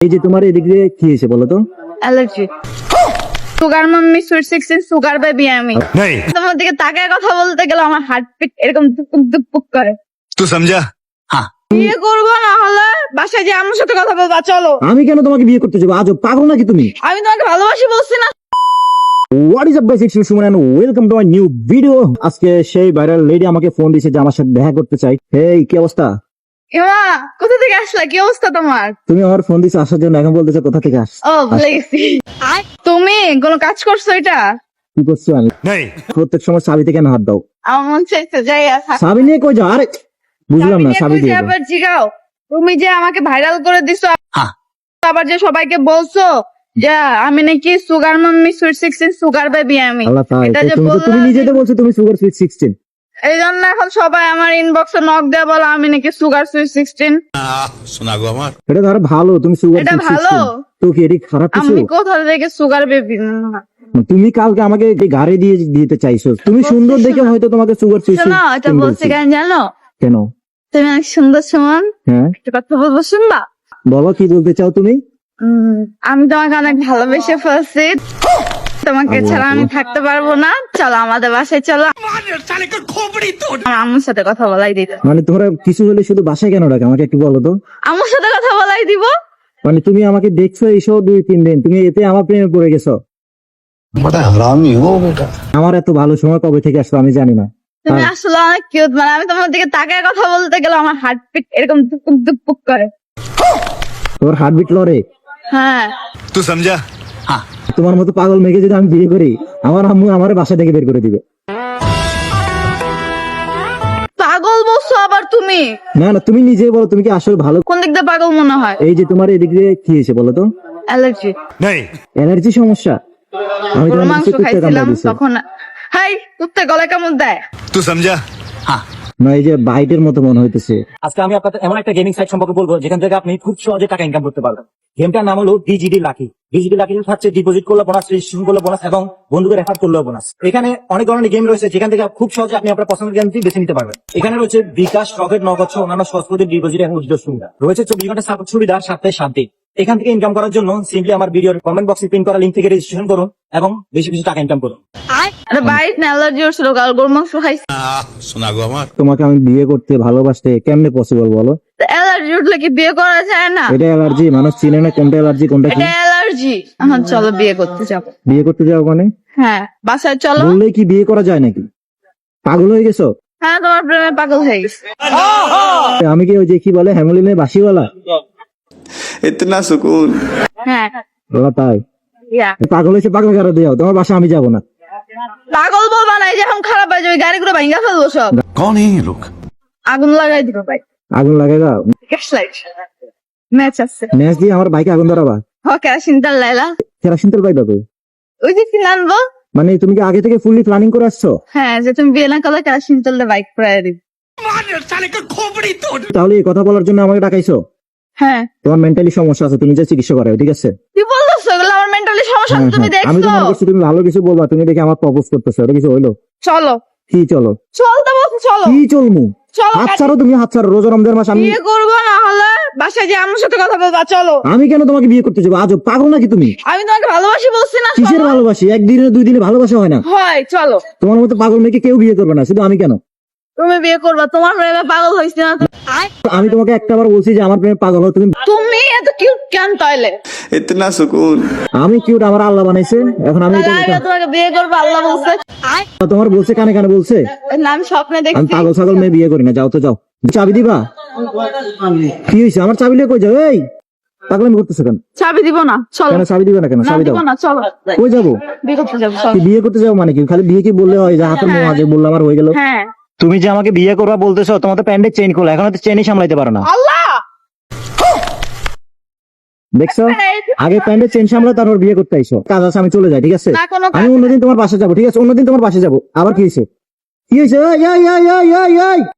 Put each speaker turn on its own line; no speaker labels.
এই যে তোমার এদিক দিয়ে কি হয়েছে বলো তো?
Allergy. Sugar mummy sweet 16 sugar baby আমি। তোমার দিকে তাকায় কথা বলতে গেলে আমার হার্টবিট এরকম দুপুক দুপুক করে।
तू समझा? हाँ।
বিয়ে করবো না হলে বাসায় যে আমার সাথে কথা বলবা চলো।
আমি কেন তোমাকে বিয়ে করতে যাবো? আজব পাগল নাকি তুমি?
আমি তোমাকে ভালোবাসি বলছি না।
What is up guys, it's Suman and welcome to my new video. আজকে সেই ভাইরাল লেডি আমাকে ফোন দিয়েছে যে আমার সাথে দেখা করতে চাই। হেই, কি অবস্থা?
এমা কোথা থেকে আসলা? কি অবস্থা তোমার?
তুমি আমার ফোন দিয়েছো আসার জন্য, এখন বলতেছো কোথা থেকে আস?
ও ভুলে গেছি। তুমি কোনো কাজ করছো এটা?
কি করছো? আমি
नहीं।
প্রত্যেক সময় চাবিতে কেন হাত দাও?
আমার মন চাইছে যাই আসা।
চাবি নিয়ে কই যাও? আরে বুঝলাম না, চাবি দিয়ে দাও।
আবার জিগাও, তুমি যে আমাকে ভাইরাল করে দিছো,
হ্যাঁ।
আবার যে সবাইকে বলছো যে আমি নাকি sugar mummy sweet 16 sugar baby আমি।
আল্লাহ তাই,
এটা যে
তুমি নিজেতে বলছো তুমি সুগার সুইট 16।
এই জন্য এখন সবাই আমার ইনবক্সে নক দেয়া বলে আমি নাকি সুগার সুইট 16।
सुना गो हमार।
এটা ধরো ভালো, তুমি সুগার
এটা
সুইট
ভালো?
16 তো কি এটি খারাপ কিছু?
আমি কোথা থেকে সুগার বেবি?
তুমি কালকে আমাকে গাড়ি দিয়ে দিতে চাইছো, তুমি সুন্দর দেখে হয়তো তোমাকে সুগার সুইট
শোনো, এটা
16
বলছি কেন জানো?
কেন?
তুমি অনেক সুন্দর সুমন,
হ্যাঁ
একটা কথা বলবো শুনবা?
বলো, কি বলতে চাও তুমি?
আমি তোমাকে অনেক ভালোবেসে ফেলছি, তোমাকে ছাড়া আমি থাকতে পারবো না। চলো আমাদের বাসায় চলো, আমার আম্মুর সাথে কথা বলাই দিতে।
মানে তোমরা কিছু হলে শুধু বাসায় কেন রাখে আমাকে একটু বলো তো?
আম্মুর সাথে কথা বলাই দিব।
মানে তুমি আমাকে দেখছো এইসব 2-3 দিন, তুমি এতে আমার প্রেমে পড়ে গেছো?
बड़ा हरामी हो बेटा।
আমার এত ভালো সময় কবে থেকে আসলো আমি জানি না।
তুমি আসলে অনেক কিউট, মানে আমি তোমার দিকে তাকায় কথা বলতে গেলে আমার হার্টবিট এরকম দুপুক দুপুক করে।
তোর হার্টবিট লড়ে?
হ্যাঁ।
तू समझा? हाँ।
তোমার মতো পাগল মেয়েকে যদি আমি বিয়ে করি, আমার আম্মু আমার বাসা থেকে বের করে দিবে।
পাগল বলছো আবার তুমি?
না না, তুমি নিজেই বলো, তুমি কি আসলে ভালো?
কোন দিক দিয়ে পাগল মনে হয়?
এই যে তোমার এদিক দিয়ে কি হয়েছে বলো তো?
অ্যালার্জি।
नहीं।
অ্যালার্জি সমস্যা? আমি
গরুর
তোমার
মাংস
নিচে কুত্তে কামড়া
খাইছিলাম
দিয়েছি।
তখন। হাই কুত্তে গলায় কামড় দেয়।
तू समझा? हाँ।
না, এই যে বাইটের মতো মনে হইতেছে।
আজকে আমি আপনাদের এমন একটা গেমিং সাইট সম্পর্কে বলবো যেখান থেকে আপনি খুব সহজে টাকা ইনকাম করতে পারবেন। গেমটার নাম হলো ডিজিডি লাকি। ডিজিডি লাকি হচ্ছে ডিপোজিট করলে বোনাস, রেজিস্ট্রেশন করলে বোনাস এবং বন্ধুকে রেফার করলেও বোনাস। এখানে অনেক ধরনের গেম রয়েছে যেখান থেকে খুব সহজে আপনি আপনার পছন্দের গেমটি বেছে নিতে পারবেন। এখানে রয়েছে বিকাশ, রকেট, নগদ সহ অন্যান্য সহজ পদ্ধতির ডিপোজিট এবং উইথড্র সুবিধা রয়েছে। 24 ঘন্টা সাপোর্ট সুবিধা, সপ্তাহে 7 দিন। এখান থেকে ইনকাম করার জন্য সিম্পলি আমার ভিডিওর কমেন্ট বক্সে পিন করা লিঙ্ক থেকে রেজিস্ট্রেশন করুন এবং বেশি বেশি টাকা ইনকাম করুন।
আরে বাইট না, অ্যালার্জি হচ্ছিল, কাল গরুর মাংস খাইছি।
सुना गो हमार।
তোমাকে আমি বিয়ে করতে ভালোবাসতে কেমনে পসিবল বলো?
অ্যালার্জি উঠলে কি বিয়ে করা যায় না?
এটা অ্যালার্জি, মানুষ চিনে না কোনটা অ্যালার্জি কোনটা কি।
এটা অ্যালার্জি। এখন চলো বিয়ে করতে যাবো।
বিয়ে করতে যাও মানে?
হ্যাঁ বাসায় চলো।
বললেই কি বিয়ে করা যায় নাকি? পাগল হয়ে গেছো?
হ্যাঁ তোমার প্রেমে পাগল হয়ে গেছে।
আমি কি ওই যে কি বলে হ্যামলিনের বাসিওয়ালা?
इतना सुकून।
হ্যাঁ
বলা তাই?
ইয়া।
পাগল হয়েছে, পাগল কারো দেও, তোমার বাসা আমি যাবো না।
পাগল বলবা না, এই যে এখন খারাপ হয়ে যাবে, গাড়িগুলো ভাঙ্গা ফেলবো সব।
कौन है ये लोग?
আগুন লাগাই দিবো ভাই।
আগুন লাগাই দাও?
গ্যাস লাইট ম্যাচ আছে।
ম্যাচ দিয়ে আমার বাইকে আগুন ধরাবা?
হ কেরাসিন তেল লাইলা।
কেরাসিন তেল পাইবা কই?
ওই যে কিনে আনবো।
মানে তুমি কি আগে থেকে ফুললি প্ল্যানিং করে আসছো?
হ্যাঁ যে তুমি বিয়ে না করলে কেরাসিন তেল দিয়ে বাইক পুরাই দিবি।
তাহলে এই কথা বলার জন্য আমাকে ডাকাইছো?
হ্যাঁ
তোমার মেন্টালি সমস্যা আছে, তুমি যে চিকিৎসা করাও, ঠিক আছে?
কি বলতেছো এগুলো? আমার মেন্টালি সমস্যা
হ্যাঁ,
তুমি
হ্যাঁ। আমি তো
দেখছো?
মনে করছি তুমি ভালো কিছু বলবা, তুমি দেখে আমার প্রপোজ করতেছো, এটা কিছু হইলো?
চলো
কি চলো?
চলতে বলছো চলো।
কি চলমু?
চলো
হাত ছাড়ো, তুমি হাত ছাড়ো, রোজা রমজান মাস। আমি
বিয়ে করবো না হলে বাসায় যে আমার সাথে কথা বলবা চলো।
আমি কেন তোমাকে বিয়ে করতে যাবো? আজব পাগল নাকি তুমি?
আমি তোমাকে ভালোবাসি বলছি না?
কিসের
চলো।
ভালোবাসি? একদিনে 2 দিনে ভালোবাসা হয় না।
হয় চলো।
তোমার মতো পাগল মেয়েকে কেউ বিয়ে করবে না, শুধু আমি কেন?
তুমি বিয়ে করবা, তোমার প্রেমে পাগল হয়েছি না?
আমি তোমাকে একটাবার বলছি যে আমার প্রেমে পাগল হও তুমি।
তুমি এত কিউট কেন তাইলে?
इतना सुकून।
আমি কিউট, আমার আল্লাহ বানাইছে। এখন আমি
তাহলে আমি তোমাকে বিয়ে করবো আল্লাহ বলছে।
তোমার বলছে, কানে কানে বলছে।
না, আমি স্বপ্নে
আমি
দেখছি।
পাগল ছাগল মেয়ে বিয়ে করি না। যাও তো যাও, চাবি দিবা? কি হয়েছে? আমার চাবি লিয়ে কই যাও? এই পাগলামি করতেছো কেন?
চাবি দিব না চলো।
কেন চাবি দিবে না কেন?
না
চাবি
দিব
দাও।
না চলো।
কই যাবো?
বিয়ে করতে যাবো চলো।
কি বিয়ে করতে যাও মানে কি? খালি বিয়ে কি বললে হয়? যে হাতের মোয়া যে বললাম আর হয়ে গেল?
হ্যাঁ
তুমি যে আমাকে বিয়ে করবা বলতেছো, তোমার তো প্যান্ডের চেইন খোলা, এখন তো চেইনই সামলাইতে পারো না।
আল্লাহ
দেখছো, আগে প্যান্ডের চেইন সামলা, তারপর বিয়ে করতে আইসো। কাজ আছে, আমি চলে যাই, ঠিক আছে?
না কোনো
আমি অন্যদিন তোমার বাসা যাবো, ঠিক আছে? অন্যদিন তোমার বাসা যাবো। আবার কি হয়েছে? কি হয়েছে? এই, এই, এই, এই, এই, এই।